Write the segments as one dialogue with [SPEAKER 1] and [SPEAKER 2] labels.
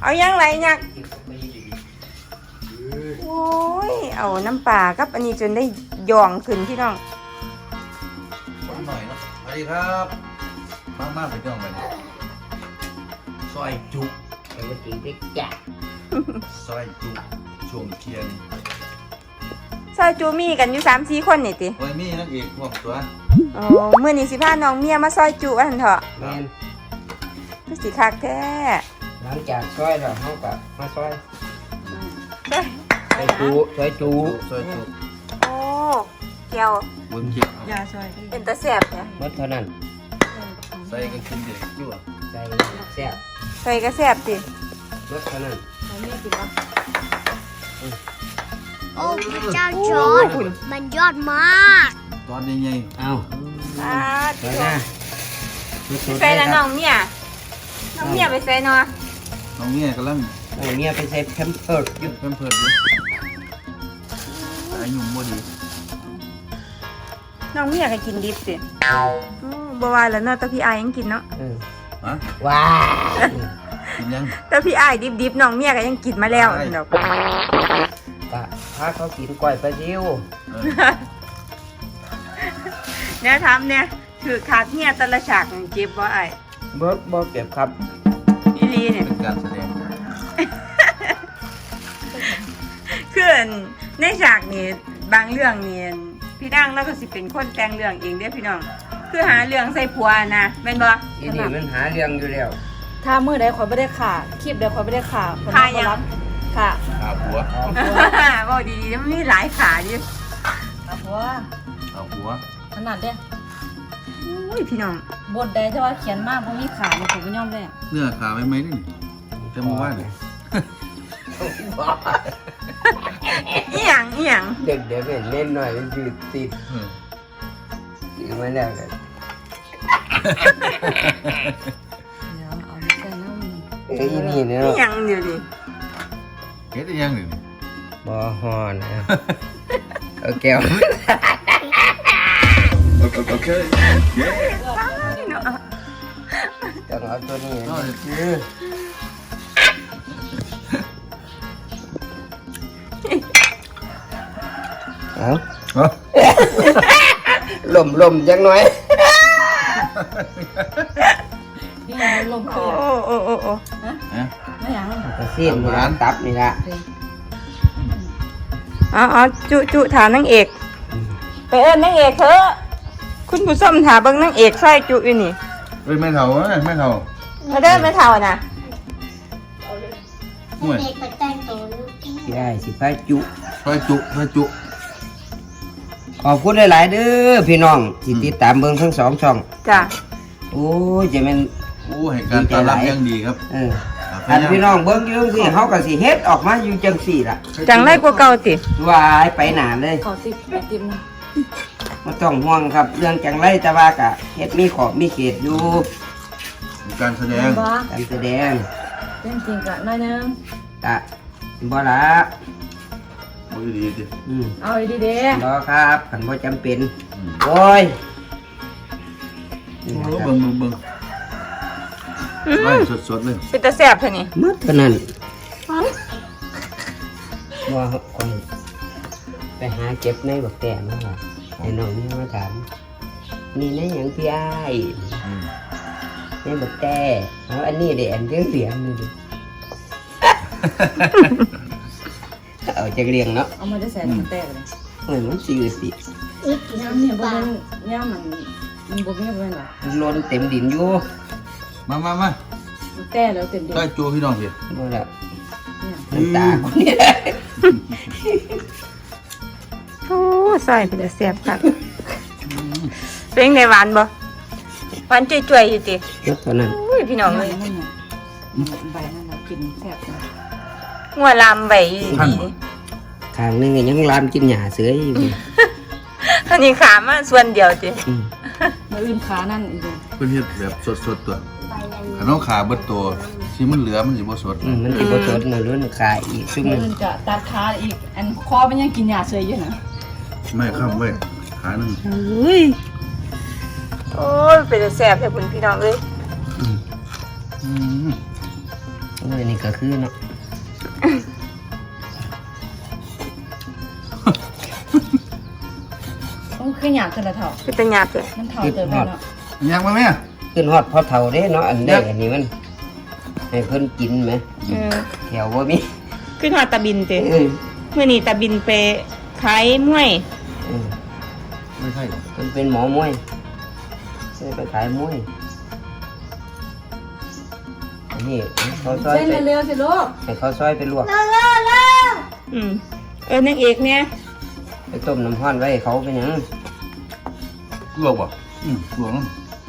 [SPEAKER 1] เอายังไรยักโอ้ยเอาน้ำปลากับอันนี้จนได้ย่องขึ้นพี่น้อง
[SPEAKER 2] คนหน่อยเนาะสวัสดีครับมากไปจ้องไปซอยจุ
[SPEAKER 3] ไปมาจีบจ้ะ
[SPEAKER 2] ซอยจุช่วงเที่ยง
[SPEAKER 1] ซอยจูมีกันอยู่3-4 คนนี่ติ
[SPEAKER 2] โอ้ยมีนั่นเองพวกตัว
[SPEAKER 1] โอ้มื้อนี้สิพาน้องเมียมาซอยจูว่าซั่นเถาะ
[SPEAKER 3] แม่น
[SPEAKER 1] คือสิคักแท้
[SPEAKER 3] หลังจากซอยแล้วเฮาก็มาซอย
[SPEAKER 1] ซอย
[SPEAKER 3] จูซอยจู
[SPEAKER 1] โอ้เกี่ยว
[SPEAKER 2] บนเกี่ยวย
[SPEAKER 4] าซอย
[SPEAKER 1] เป็นตาแซ่บแท้
[SPEAKER 3] หมดเท่านั้น
[SPEAKER 2] ใส่กันกินเด็กอยู่อ่ะ
[SPEAKER 3] ใส่แซ่บ
[SPEAKER 1] ใส่ก็แซ่บติ
[SPEAKER 3] หมดเท่านั้น
[SPEAKER 4] เขาไม่กินวะ
[SPEAKER 5] โอ้พระเจ้าจอร์จมันยอดมาก
[SPEAKER 2] ตอนใหญ่
[SPEAKER 3] เอา
[SPEAKER 1] อ่า
[SPEAKER 3] ไปนะสุดๆ
[SPEAKER 1] ใส่ละ
[SPEAKER 3] ค
[SPEAKER 1] น้
[SPEAKER 3] รั
[SPEAKER 1] อบ งเมียน้องเมียไปใส่เนาะ
[SPEAKER 2] น้องเนี่ยกำลัง
[SPEAKER 3] โอ้เนี่ยไปใส่แพมเพิร์สอยู่
[SPEAKER 2] เพิ่มอยู่อายุบ่ดี
[SPEAKER 1] น้องเมียก็กินดิบสิบ่ว่าแล้วเนาะแต่พี่อายยังกินเนาะ
[SPEAKER 2] ฮะ
[SPEAKER 3] ว้า
[SPEAKER 2] กินยัง
[SPEAKER 1] แต่พี่อายดิบๆน้องเมียก็ยังกินมาแล้วเนาะ
[SPEAKER 3] กะพาเขากินก้อยปลาซิว
[SPEAKER 1] เนี่ยทำเนี่ยถือขาดเนี่ยแต่ละฉากเจ็บบ่ไอ้
[SPEAKER 3] บ่เก็บครับ
[SPEAKER 1] อีลีเนี่ย
[SPEAKER 2] เป็นการแสดง
[SPEAKER 1] คือในฉากนี่บางเรื่องนี่พี่นางแล้วก็สิเป็นคนแต่งเรื่องเองเด้อพี่น้องคือหาเรื่องใส่ผัวนะแม่นบ่
[SPEAKER 3] อีนี่มันหาเรื่องอยู่แล้ว
[SPEAKER 4] ถ้ามื้อใดขอยไม่ได้ขาคลิปใดขอยไม่ได้ขาคน
[SPEAKER 1] ขา
[SPEAKER 4] มา
[SPEAKER 1] ยัง
[SPEAKER 4] รับค่ะ
[SPEAKER 2] หาผัว
[SPEAKER 1] บ่ดีๆมันมีหลายขาอยู่
[SPEAKER 4] เอาหัว
[SPEAKER 2] เอาผัว
[SPEAKER 4] ขนาดเด้
[SPEAKER 1] อุ้ยพี่น้อง
[SPEAKER 4] บทใดที่ว่าเขียนมากเพราะมีขาเนี่ยผมไม่ยอมเลย
[SPEAKER 2] เนื้อขาไม่นี่จะมาว่าเนี่ย
[SPEAKER 1] อีหยัง
[SPEAKER 3] เด็กเดี๋ยวเล่นหน่อยมันจืดติดติดมาแล้วกัน
[SPEAKER 4] เดี๋ยวเอาไม่ใช่น้ำ
[SPEAKER 3] ไอ้นี่เนา
[SPEAKER 1] อี
[SPEAKER 3] ะ
[SPEAKER 1] หยังเดี๋ยวดิ
[SPEAKER 2] เฮ็ดได้ยังหนึ่ง
[SPEAKER 3] บ่ฮอนะเอาแก้ว
[SPEAKER 2] โอเค
[SPEAKER 1] เนาะ
[SPEAKER 3] ต้องเอาตัวนี้เอาลมจังหน่อย
[SPEAKER 4] นี่มันลม
[SPEAKER 1] โอ้
[SPEAKER 4] เปียก
[SPEAKER 1] โอ้
[SPEAKER 4] ไม่หยัง
[SPEAKER 3] กระซีนนี่ละตับนี่ละ
[SPEAKER 1] เอาจุถามนางเอกไปเอิ้นนางเอกเถอะคุณผู้ชมถามเบิ่งนางเอกซอยจุอยู่นี่
[SPEAKER 2] เฮ้ยไม่เท่าไม่เท่า
[SPEAKER 1] มาเด้อแม่เฒ่าน่ะ
[SPEAKER 2] ห่วย
[SPEAKER 5] เด็กไปแต่งตัวลูกที่
[SPEAKER 3] ได้สิพาจุ
[SPEAKER 2] ซอยจุ
[SPEAKER 3] ขอบคุณหลายๆเด้อพี่น้องที่ติดตามเบิ่งทั้ง2 ช่อง
[SPEAKER 1] จ้ะ
[SPEAKER 3] โอ้ยจะเป็น
[SPEAKER 2] โอ้ให้การต้อนรับยังดีครับ
[SPEAKER 3] อันพี่น้องเบิ่งอยู่จังซี่เฮาก็สิเฮ็ดออกมาอยู่จังซี่ล่ะ
[SPEAKER 1] จังไรกว่าเก่าติ
[SPEAKER 3] วายไปหนาเลย
[SPEAKER 4] ขอติดไอติมนะ
[SPEAKER 3] บ่ต้องห่วงครับเรื่องจังไรแต่ว่าก็เฮ็ดมีขอบมีเขตอยู่
[SPEAKER 2] การแสดง
[SPEAKER 4] บ้า
[SPEAKER 3] การแสดง
[SPEAKER 4] เล่นจริงกะน้อยนึง
[SPEAKER 3] กะบ่ละ
[SPEAKER 2] มือดีดิ
[SPEAKER 4] เอาดีเด้
[SPEAKER 3] บ่ครับคันบ่จำเป็นโอ้ยนี่นะครับ
[SPEAKER 2] เบิ่งไล่สดเลย
[SPEAKER 1] เป็นตาแซ่บเท่านี้
[SPEAKER 3] หมดเท่านั้นว่าคนไปหาเก็บในบักแต้มาว่าไอ้น้องนี่มาถามนี่ในหยังพี่อ้ายในบักแต้เอาอันนี้เด้อันเสียงนี่ดิ เอาจักเรียงเนาะ
[SPEAKER 4] เอามาได้ใส่น้ำแตกเลย
[SPEAKER 3] เหมือนมันสิสิ
[SPEAKER 4] ย่ำเนี่ยบ่เป็นย่ำมันบ่เป็นบ่เป็นหรอ
[SPEAKER 3] มันล้นเต็มดินอยู่
[SPEAKER 2] มา
[SPEAKER 4] มันแต้แล้วเต็มเดียว
[SPEAKER 2] ซอยจุพี่น้องสิ
[SPEAKER 3] บ่ละน้ำตาคนนี้
[SPEAKER 1] โอ้ซอยเป็นตาแซ่บคักเป็นไงหวานบ่หวานจ่วยๆอยู่ติ
[SPEAKER 3] ยกเท่านั้น
[SPEAKER 1] อุ้ยพี่น้อง
[SPEAKER 4] ใบ
[SPEAKER 1] เอ้ย
[SPEAKER 4] นั่นน่ะใบนั่นน่ะกินแซ่บนะ
[SPEAKER 1] งัวลามไว้อยู่ดี
[SPEAKER 3] ข้างหนึงก็ยังลามกินหญ้าเสืออยู่
[SPEAKER 1] อันนี้ขามาส่วนเดียวติ
[SPEAKER 4] มาอื่นขานั่นอีก
[SPEAKER 2] เพิ่นเฮ็ดแบบสดตัวขนมขาเบิดตัวที่มันเหลือมันสิบ่สด
[SPEAKER 3] มันสิบ่สดน่ะล้นขาอีกซุ่ม
[SPEAKER 4] มา
[SPEAKER 3] นึง
[SPEAKER 4] อื่นจะตัดขาอีกอันคอมันยังกินยาเฉยอยู่นะ
[SPEAKER 2] ไม่ค้ำเว้ยขาหนึง
[SPEAKER 1] อุ้ยโอ้ยเป็นตาแซ่บแท้คุณพี่น้องเอ้ย
[SPEAKER 3] นี่ก็คือเนาะ
[SPEAKER 4] โอ้คือหยาบกันละเถ่า
[SPEAKER 1] คือเป็นหยาบเลย
[SPEAKER 4] มันเถ่าเติมไปเนาะ
[SPEAKER 2] ยังมาไหมอ่ะ
[SPEAKER 3] ขึ้นฮอดพอเท่าเด้เนาะอันได้อันนี้มันให้เพิ่นกินไหมแถวบ่มี
[SPEAKER 1] ขึ้นหอดตาบินเจ้
[SPEAKER 3] เออ
[SPEAKER 1] เมื่อนี้ตาบินไปขายมวย
[SPEAKER 3] เออ
[SPEAKER 2] ไม่ใช่หรอ
[SPEAKER 3] เพิ่นเป็นหมอมวยใช่ไปขายมวยอันนี้เขาซอย
[SPEAKER 4] เส้น
[SPEAKER 3] ไป
[SPEAKER 4] เร็วๆสิลูก
[SPEAKER 3] ให้เขาซอยไปลวก
[SPEAKER 1] อืมนางเอกเนี่ย
[SPEAKER 3] ไปต้มน้ำร้อนไว้ให้เขาเป็นหยัง
[SPEAKER 2] ลวกป่ะลวกน้ำ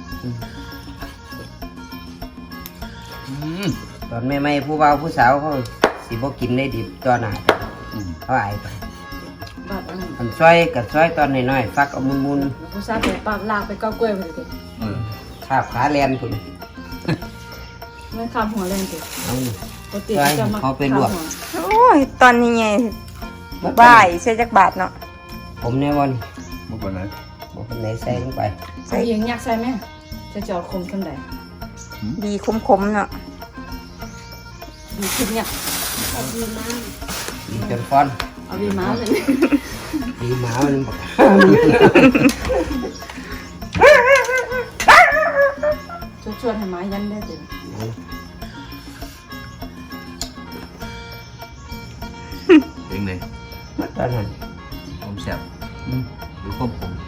[SPEAKER 3] ตอนใหม่ๆผู้บ่าวผู้สาวเขาสิบ่กินได้ดิบตอนหน้าเขาอายไป
[SPEAKER 4] บาดอันนี้
[SPEAKER 3] อันซอยกับซอยตอนน้อยๆฟักเอามุน
[SPEAKER 4] ผู้ชายไปปากลากไปเก้ากล้วยไปเลย
[SPEAKER 3] ๆคาบขาแลนพุ่น
[SPEAKER 4] มันข้ามหัวแรงสิ
[SPEAKER 3] เอานี่
[SPEAKER 4] ปกติเขาจะมา
[SPEAKER 3] เขาไปลวก
[SPEAKER 1] โอ้ยตอนนี้ไงบ่ายใช่จักบาทเนาะ
[SPEAKER 3] ผมแน่วัน
[SPEAKER 2] มาก่อนไหน
[SPEAKER 3] บอกคนไหนใส่ลงไป
[SPEAKER 4] ใส่ยิงยักษ์ใส่ไหมจะจอดคมขึ้นได้
[SPEAKER 1] ดีคมๆเนาะ
[SPEAKER 4] ดีขึ้นเนี่ย
[SPEAKER 3] ดีจนฟ้อน
[SPEAKER 4] เอาดีม้าเลย
[SPEAKER 3] ดีหมามันบอก
[SPEAKER 4] ชวนให้ม้ายันได้สิ
[SPEAKER 2] เป็นไง
[SPEAKER 3] ตอนนั้น
[SPEAKER 2] ผมแซ่บหรือผม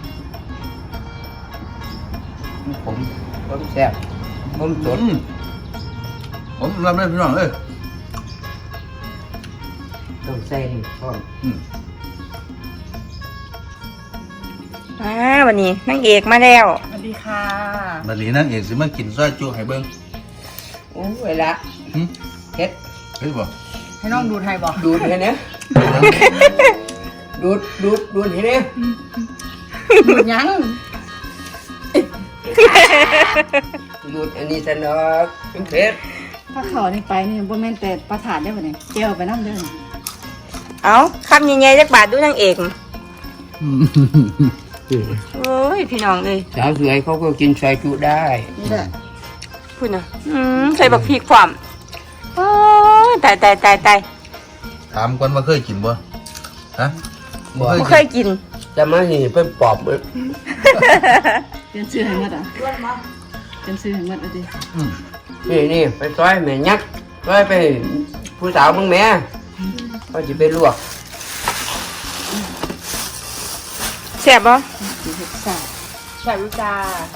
[SPEAKER 3] ผมแซ่บผมสด
[SPEAKER 2] ผมรับได้พี่น้องเอ้ย
[SPEAKER 3] ต้องใส่นี่ฟ้อน
[SPEAKER 1] วันนี้นางเอกมาแล้ว
[SPEAKER 4] สวัสดีค่ะ
[SPEAKER 2] บัดนี้นั่นเองสิมากินซอยจุให้เบิ่ง
[SPEAKER 3] โอ้เวลาเฮ็ด
[SPEAKER 2] เฮ้ยบ่
[SPEAKER 4] ให้น้องดูไทยบอก
[SPEAKER 3] ดูดให้เนี่ยดูดให้เนี่ย
[SPEAKER 4] ดูยัง
[SPEAKER 3] ดูดอันนี้สนอกเป็นเผ็ด
[SPEAKER 4] ถ้าเขานี่ไปนี่บ่แม่นแต่ประถานได้ป่ะเนี่ยเจียวไปน้ำเด้อ
[SPEAKER 1] เอาคำใหญ่ๆจักบาทดูนางเอกโอ้ยพี่น้องเลย
[SPEAKER 3] สาวสวยเขาก็กินซอยจุได้
[SPEAKER 4] นี่แหละ
[SPEAKER 1] พูดนะใส่บักพริกความโอ้ยตาย
[SPEAKER 2] ถามก่อนว่าเคยกินบ่ฮะ
[SPEAKER 3] บ่
[SPEAKER 1] บ่เคยกิน
[SPEAKER 3] จะมาเห็นเป็นปอบเลย
[SPEAKER 4] เปลี่ยนชื่อให้หมดอ่ะเปลี่ยนชื่อให้หมดอ่ะดิ
[SPEAKER 3] นี่ไปซอยแม่ยักษ์ซอยไปผู้สาวมึงแม่เขาจะไปลวก
[SPEAKER 1] แซ่บบ่
[SPEAKER 4] ใช่รู้จ้า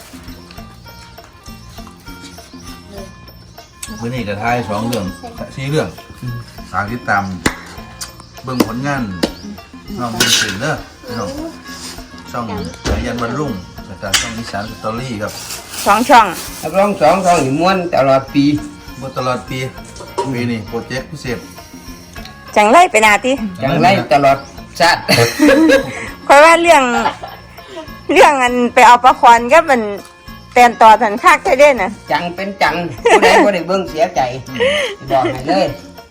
[SPEAKER 2] มื้อนี้ก็ทาย2เรื่อง4เรื่องฝากติดตามเบิ่งผลงานน้องเบิ่งเป็นเด้อพี่น้องช่องสายันบรรลุงแล้วก็ช่องอีสานสตอรี่ครับ
[SPEAKER 1] 2 ช่อง
[SPEAKER 3] นักร้องสองท้องหิม้วนตลอดปี
[SPEAKER 2] บ่ตลอดปีนี้โปรเจกต์พิเศษ
[SPEAKER 1] จังไรไปนาติ
[SPEAKER 3] จังไรตลอดชาติ
[SPEAKER 1] เพราะว่าเรื่องอันไปเอาปลาคอนก็มันแตนต่อทันคักแค่เด่นน่ะ
[SPEAKER 3] จังเป็นจังผู้ใดผู้ใดเบิ่งเสียใจบอกให้เลย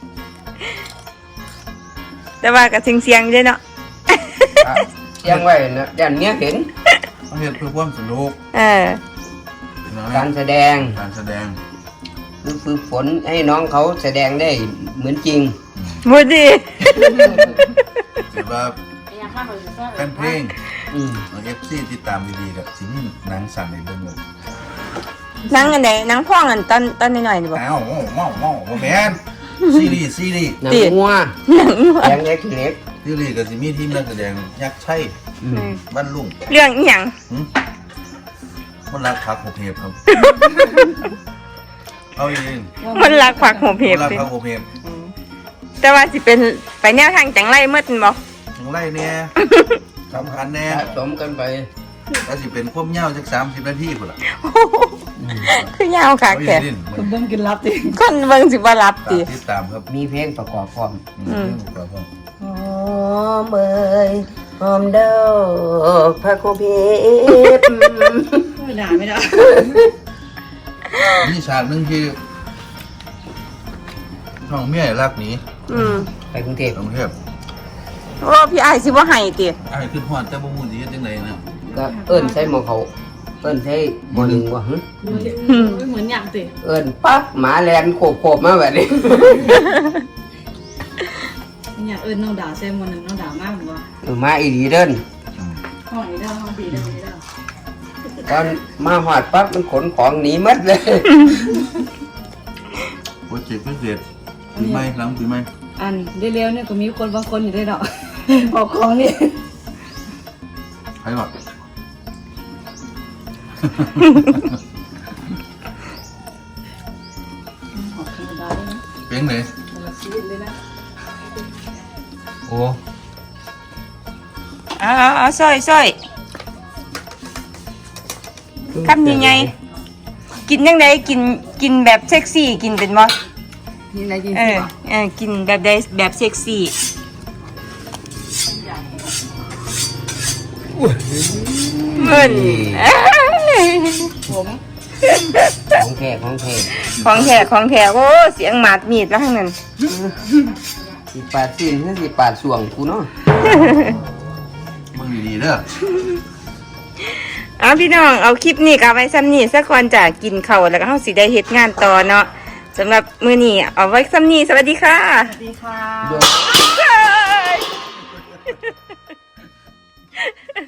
[SPEAKER 1] แต่ว่าก็เสียงๆอยู่เด้เนาะ
[SPEAKER 3] เสียงไว้นะยันเนี้ยเห็น
[SPEAKER 2] เขาเฮ็ดเพื่อความสนุก พี่น้อง
[SPEAKER 3] การแสดง
[SPEAKER 2] การแสดง
[SPEAKER 3] คือฝึกฝนให้น้องเขาแสดงได้เหมือนจริง
[SPEAKER 1] บ่ดี
[SPEAKER 2] ถือว่าแฟนเพลง
[SPEAKER 3] อืม
[SPEAKER 2] ของ FC ติดตามดีๆกับสิมีหนังสั่นให้เบิ่งเลย
[SPEAKER 1] หนังอันไหนหนังพ่องอันตอนน้อยๆนี่บ่
[SPEAKER 2] อ้าวเมาบ่แม่นซีรีส์
[SPEAKER 3] หนังงัว
[SPEAKER 1] หนัง
[SPEAKER 3] แดงเล็กเล็ก
[SPEAKER 2] ซีรีส์ก็สิมีทีมนักแสดงยักษ์ชัยบ้านลุง
[SPEAKER 1] เรื่องอีหยัง
[SPEAKER 2] คนรักพักหัวเพบครับ เอาเอง
[SPEAKER 1] มันรักผักหัวเพ
[SPEAKER 2] คน
[SPEAKER 1] บ
[SPEAKER 2] รัก
[SPEAKER 1] ติ
[SPEAKER 2] พักหัวเพบ
[SPEAKER 1] แต่ว่าสิเป็นไปแนวทางจังไรหมดแม่นบ่
[SPEAKER 2] ของไรเนี่ยสำคัญแน่
[SPEAKER 3] สะสมกันไป
[SPEAKER 2] ถ้าสิเป็นควบเหย้าจัก30 นาทีพุ่นล่ะ
[SPEAKER 1] คือยาวคัก
[SPEAKER 2] เอา
[SPEAKER 1] แท้
[SPEAKER 2] อีดิน
[SPEAKER 4] คุณเบิ่งกินรับดิ
[SPEAKER 1] คนเบิ่งสิบ่รับติ
[SPEAKER 2] ติดตามครับ
[SPEAKER 3] มีเพลงประกอบพร้อม
[SPEAKER 2] ครับผม
[SPEAKER 3] หอมเอ่ยหอมเด้อพระโคเพบ
[SPEAKER 4] ไม่ได้ไม่ได้
[SPEAKER 2] มีฉากหนึงที่น้องเมียรักหนี
[SPEAKER 3] ไปกรุงเทพ
[SPEAKER 2] กรุงเทพ
[SPEAKER 1] โอ้พี่อ้ายสิบ่ให้ติ
[SPEAKER 2] อ้ายขึ้นฮอดแต่บ่ฮู้สิเฮ็ดจังไดนะ
[SPEAKER 3] ก็เอิ้นใส่หมอเขาเอิ้นใช้บ่หนึ่งบ่หึ
[SPEAKER 4] เหมือนอย่างติ
[SPEAKER 3] เอิ้นปั๊บหมาแลนโขบๆมาแบบนี้
[SPEAKER 4] เนี่ยน้องด่าแซมวันหนึ่งน้องด่ามากหรือว่า
[SPEAKER 3] มาอีดีเด้น
[SPEAKER 4] ห้องนี้ได้ห้องดีได้ดีได้
[SPEAKER 3] ตอนมาหอดปั๊บมันขนของหนีหมดเลย
[SPEAKER 2] โปรเจกต์พิเศษปีใหม่หลังปีใหม่
[SPEAKER 4] อันได้เร็วเนี่ยก็มีคนบางคนอยู่ได้ดอกออกของนี่
[SPEAKER 2] ใครก่อน
[SPEAKER 4] ออกธรรมดาเลยนะ
[SPEAKER 2] เป็นเลย
[SPEAKER 4] แต่ละชีวิตเลยนะ
[SPEAKER 2] โอ้
[SPEAKER 1] เอาซอยคำยังไงกินยังไงกินแบบเซ็กซี่กินเป็นบ่
[SPEAKER 4] นี่อะไรกิน
[SPEAKER 1] กินแบบใดแบบเซ็กซี่เงิน
[SPEAKER 4] ผม
[SPEAKER 3] ของแท้ของแท้
[SPEAKER 1] ของแท้โอ้เสียงหมาดมีดแล้วทั้งนั้น
[SPEAKER 3] สิปาดสิ้นคือสิปาดส่วงกูเนาะ
[SPEAKER 2] มึงดีๆเด้อ
[SPEAKER 1] เอาพี่น้องเอาคลิปนี้กับไว้ซ้ำนี้สักก่อนจะกินข้าวแล้วก็เฮาสิได้เฮ็ดงานต่อเนาะสำหรับมื้อนี้เอาไว้ซ้ำนี้สวัสดีค่ะ
[SPEAKER 4] สวัสดีค่ะ
[SPEAKER 3] โย